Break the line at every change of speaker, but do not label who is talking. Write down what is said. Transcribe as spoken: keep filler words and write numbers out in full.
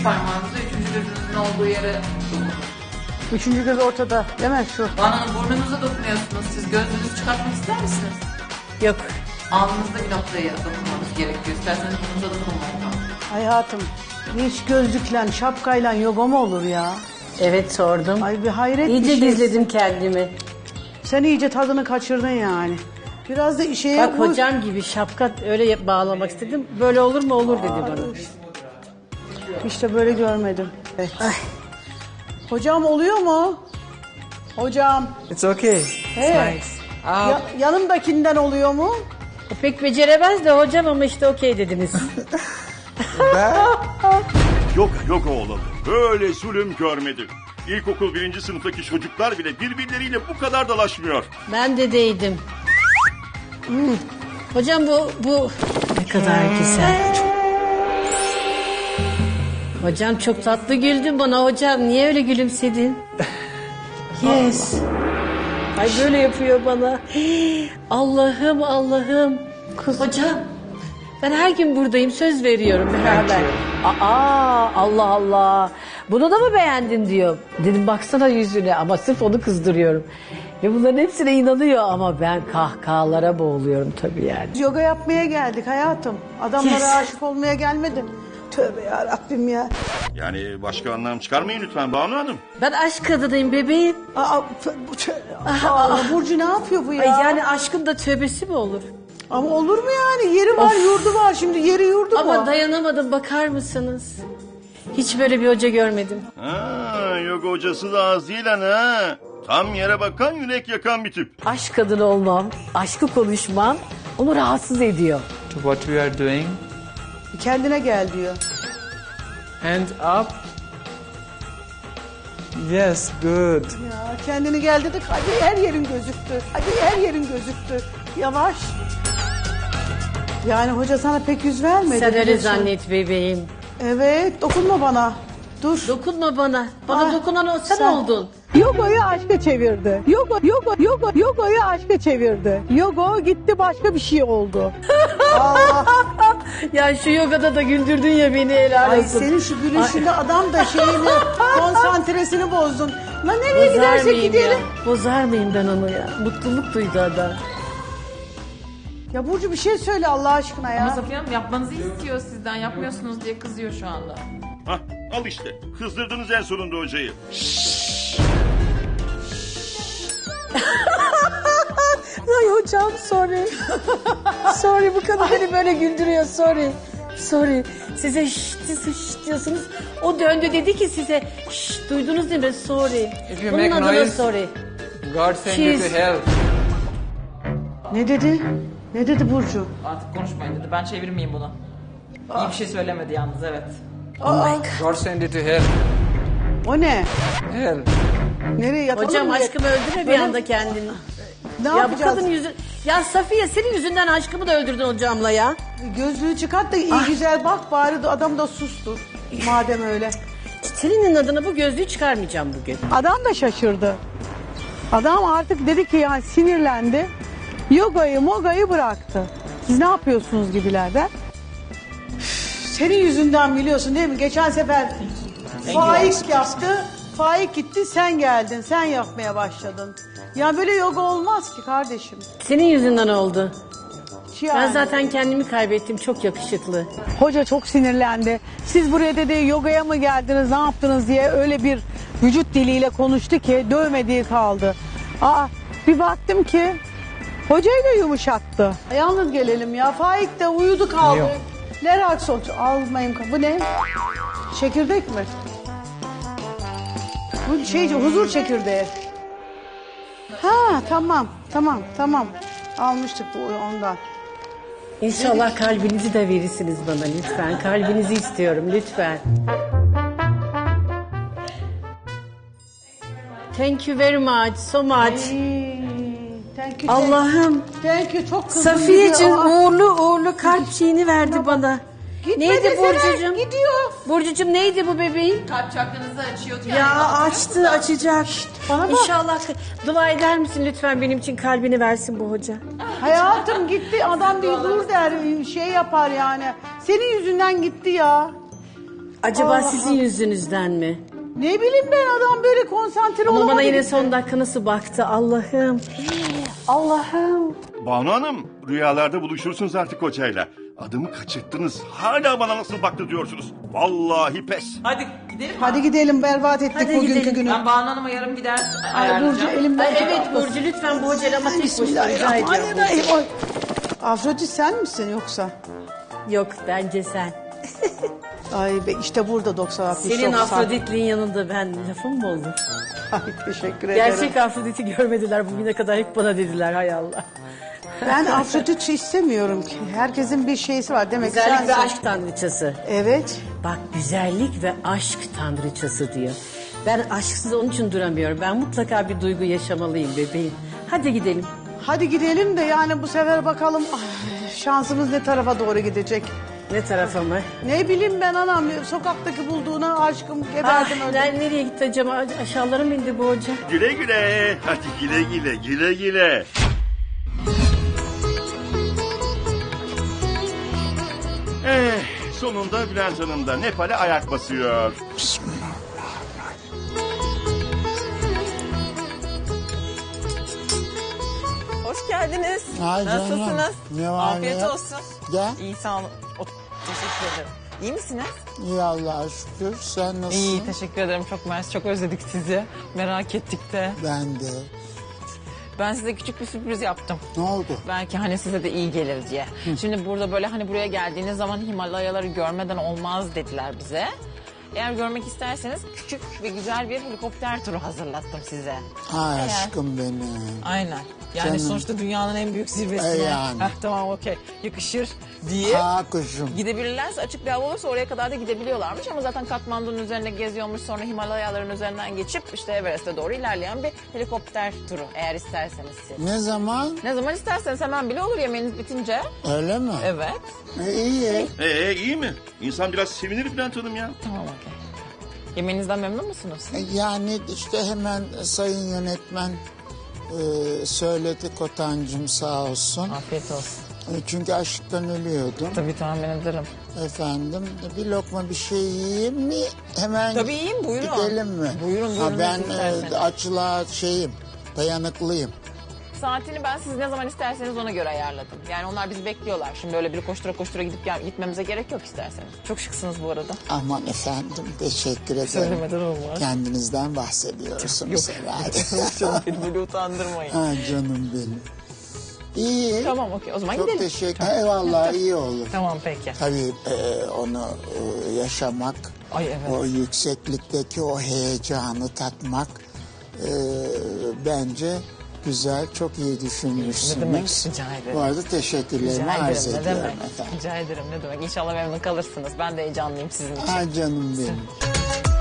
parmağınızı üçüncü gözünüzün olduğu yere dokunun.
Üçüncü göz ortada değil mi şu?
Bana burnunuza dokunuyorsunuz. Siz gözünüzü çıkartmak ister misiniz?
Yok.
Alnınızda bir noktaya dokunmanız gerekiyor. İsterseniz burnunuza dokunmayın.
Hayatım hiç gözlükle şapkayla yoga mı olur ya?
Evet sordum.
Ay bir hayret
İyice
bir şey.
gizledim kendimi.
Sen iyice tadını kaçırdın yani. Biraz da işe
Bak hocam gibi şapka öyle bağlamak istedim. Böyle olur mu olur dedi bana.
İşte böyle görmedim. Evet. Hocam oluyor mu? Hocam.
It's okay.
Hey.
Nice.
Ya, yanımdakinden oluyor mu?
O pek beceremez de hocam ama işte okey dediniz.
Yoga yoga olalı. Böyle zulüm görmedim. İlkokul birinci sınıftaki çocuklar bile birbirleriyle bu kadar dalaşmıyor.
Ben de değdim. Hmm. Hocam bu bu ne kadar güzel. Hocam çok tatlı güldün bana hocam. Niye öyle gülümsedin? Yes. Ay böyle yapıyor bana. Allah'ım Allah'ım. Hocam ben her gün buradayım söz veriyorum beraber. Aa Allah Allah. Bunu da mı beğendin diyor. Dedim baksana yüzüne ama sırf onu kızdırıyorum. Ve bunların hepsine inanıyor ama ben kahkahalara boğuluyorum tabii yani.
Yoga yapmaya geldik hayatım. Adamlara
Yes.
aşık olmaya gelmedim. Tövbe yarabbim ya.
Yani başka anlam çıkarmayın lütfen Banu Hanım.
Ben aşk kadınıyım bebeğim.
Aa, bu- bu- Aa, Burcu ne yapıyor bu ya?
Ay yani aşkın da tövbesi mi olur?
Ama olur mu yani? Yeri var, yurdu var. Şimdi yeri yurdu
Ama
mu?
dayanamadım bakar mısınız? Hiç böyle bir hoca görmedim.
Ha, yoga hocası da az değil lan ha. Tam yere bakan yürek yakan bir tip.
Aşk kadını olmam, aşkı konuşmam onu rahatsız ediyor.
To what we are doing.
Kendine gel diyor.
Hand up. Yes, good.
Ya kendini gel dedik. Hadi her yerin gözüktü. Hadi her yerin gözüktü. Yavaş. Yani hoca sana pek yüz vermedi.
Sen öyle
biliyorsun.
zannet bebeğim.
Evet, dokunma bana. Dur.
Dokunma bana. Bana
Ah,
dokunan o sen,
sen-
oldun.
Yoga'yı aşka çevirdi. Yoga, yoga, yoga, yoga'yı aşka çevirdi. Yoga gitti başka bir şey oldu. Aa,
Ya şu yogada da güldürdün ya beni helal
ay
olsun.
senin şu gülüşünde adam da şeyini, konsantresini bozdun. Lan nereye
Bozar
gidersek
mıyım
gidelim.
ya? Bozar mıyım ben onu ya? Mutluluk duydu adam.
Ya Burcu bir şey söyle Allah aşkına
Ama
ya.
Safiye Hanım yapmanızı istiyor sizden. Yapmıyorsunuz diye kızıyor şu anda.
Hah, al işte. Kızdırdınız en sonunda hocayı.
Ay hocam sorry. Sorry bu kadın beni böyle güldürüyor sorry. Sorry. Size şşt, siz şşt diyorsunuz. O döndü dedi ki size şşt duydunuz değil mi? Sorry.
If you
Bunun
make
adına
noise-
sorry.
God send you
She's-
to hell.
Ne dedi? Ne dedi Burcu?
Artık konuşmayın dedi. Ben çevirmeyeyim bunu. İyi bir şey söylemedi yalnız evet.
God send you to hell.
O ne?
Hell.
Nereye yatalım
Hocam
mı?
aşkımı öldürme bir
Böyle-
anda kendini.
Ne
Ya bu
yapacağız?
kadın yüzü... Ya Safiye senin yüzünden aşkımı da öldürdün hocamla ya.
Gözlüğü çıkart da iyi güzel bak bari de adam da sustur. Madem öyle.
Senin adına bu gözlüğü çıkarmayacağım bugün.
Adam da şaşırdı. Adam artık dedi ki yani sinirlendi. Yogayı mogayı bıraktı. Siz ne yapıyorsunuz gibilerden? Üf, senin yüzünden biliyorsun değil mi? Geçen sefer Faik yaptı. Faik gitti sen geldin. Sen yapmaya başladın. Ya böyle yoga olmaz ki kardeşim.
Senin yüzünden oldu.
Yani.
Ben zaten kendimi kaybettim. Çok yakışıklı.
Hoca çok sinirlendi. Siz buraya dedi yogaya mı geldiniz ne yaptınız diye öyle bir vücut diliyle konuştu ki dövmediği kaldı. Aa bir baktım ki hocayı da yumuşattı. Yalnız gelelim ya. Faik de uyudu kaldı.
Yok.
Leraxon almayayım. Bu ne? Çekirdek mi? Bu şey huzur çekirdeği. Ha tamam tamam tamam. Almıştık bu ondan.
İnşallah kalbinizi de verirsiniz bana lütfen. Kalbinizi istiyorum lütfen. Thank you very much, so much.
Thank you,
Allah'ım.
Thank you çok kızdım.
Safiyeciğim
gidiyor. Aa,
uğurlu uğurlu kalp şeyini verdi bana.
Gitme
Neydi
desene,
Burcucuğum?
gidiyor.
Burcucuğum neydi bu bebeğin?
Kalp çakranızı açıyor.
Ya açtı açacak.
bana bak.
İnşallah dua eder misin lütfen benim için kalbini versin bu hoca.
Hayatım gitti adam değil dur der şey yapar yani. Senin yüzünden gitti ya.
Acaba
Allah
sizin
Allah.
yüzünüzden mi?
Ne bileyim ben, adam böyle konsantre
Ama
olamadı.
bana yine
gitti.
son dakika nasıl baktı Allah'ım. Allah'ım.
Banu Hanım, rüyalarda buluşursunuz artık hocayla. Adımı kaçırttınız. Hala bana nasıl baktı diyorsunuz. Vallahi pes.
Hadi gidelim mi?
Hadi gidelim, berbat ettik
Hadi
bugünkü
gidelim.
günü.
Ben Banu Hanım'a yarım gider
Ay Burcu
ayarlayacağım.
elimden
Ay,
tut,
evet
atlasın.
Burcu lütfen bu hocayla ama tek başına rica ediyorum.
Bismillahirrahmanirrahim. Ay. Afrodit sen misin yoksa?
Yok bence sen.
Ay be, işte burada doksan altmış.
Senin
doksan.
Afrodit'liğin yanında ben lafım mı olur?
Ay, teşekkür ederim.
Gerçek Afrodit'i görmediler bugüne kadar, hep bana dediler hay Allah.
Ben Afrodit istemiyorum ki. Herkesin bir şeysi var demek ki.
Güzellik ve
sensin.
aşk tanrıçası.
Evet.
Bak güzellik ve aşk tanrıçası diyor. Ben aşksız onun için duramıyorum. Ben mutlaka bir duygu yaşamalıyım bebeğim. Hadi gidelim.
Hadi gidelim de yani bu sefer bakalım ay, şansımız ne tarafa doğru gidecek.
Ne tarafa mı?
Ne bileyim ben anam, sokaktaki bulduğuna aşkım
Ah,
geberdim öldüm.
ben nereye gitti acaba? Aşağılara mı indi bu hoca?
Güle güle. Hadi güle güle, güle güle. Eh, sonunda Bülent Hanım da Nepal'e ayak basıyor.
Hoş geldiniz.
Ay canım,
Nasılsınız?
ne var
Afiyet
ne yok?
olsun.
Gel.
İyi sağ olun. O- teşekkür ederim. İyi misiniz?
İyi Allah'a şükür. Sen nasılsın?
İyi teşekkür ederim. Çok mersi. Çok özledik sizi. Merak ettik de.
Ben de.
Ben size küçük bir sürpriz yaptım.
Ne oldu?
Belki hani size de iyi gelir diye. Şimdi burada böyle hani buraya geldiğiniz zaman Himalayaları görmeden olmaz dediler bize. Eğer görmek isterseniz küçük ve güzel bir helikopter turu hazırlattım size.
Ay
Eğer-
aşkım benim.
Aynen. Yani
Canım.
sonuçta dünyanın en büyük zirvesine.
E yani.
Heh, tamam okey. Yakışır diye.
Ha kuşum.
Gidebilirlerse açık bir hava olursa oraya kadar da gidebiliyorlarmış ama zaten Katmandu'nun üzerine geziyormuş, sonra Himalayaların üzerinden geçip işte Everest'e doğru ilerleyen bir helikopter turu eğer isterseniz siz.
Ne zaman?
Ne zaman isterseniz hemen bile olur yemeğiniz bitince.
Öyle mi?
Evet.
E, iyi.
Ee iyi mi? İnsan biraz sevinir Bülent Hanım ya.
Tamam okey. Yemeğinizden memnun musunuz?
E, yani işte hemen sayın yönetmen e, söyledi Kotancığım sağ olsun.
Afiyet olsun.
E, çünkü açlıktan ölüyordum.
Tabii tahmin ederim.
Efendim bir lokma bir şey yiyeyim mi? Hemen
Tabii yiyin, buyurun.
gidelim mi?
Buyurun, buyurun,
Ha, ben
nasıl
e,
isterseniz.
açlığa şeyim, dayanıklıyım.
Saatini ben siz ne zaman isterseniz ona göre ayarladım. Yani onlar bizi bekliyorlar. Şimdi öyle bir koştura koştura gidip gel- gitmemize gerek yok isterseniz. Çok şıksınız bu arada.
Aman efendim teşekkür ederim.
Söylemeden olmaz.
Kendinizden bahsediyorsunuz herhalde.
Canım beni böyle utandırmayın.
Ha, canım benim. İyi.
Tamam okey o zaman
Çok
gidelim.
teşekkür Eyvallah iyi olur.
Tamam peki.
Tabii e, onu e, yaşamak,
Ay evet.
o yükseklikteki o heyecanı tatmak e, bence güzel, çok iyi düşünmüşsünüz.
Ne demek, rica ederim.
Bu arada teşekkürlerimi
Rica
arz
ederim ne
ediyorum
demek.
efendim.
Rica ederim ne demek. İnşallah memnun kalırsınız. Ben de heyecanlıyım sizin için.
Ha canım benim.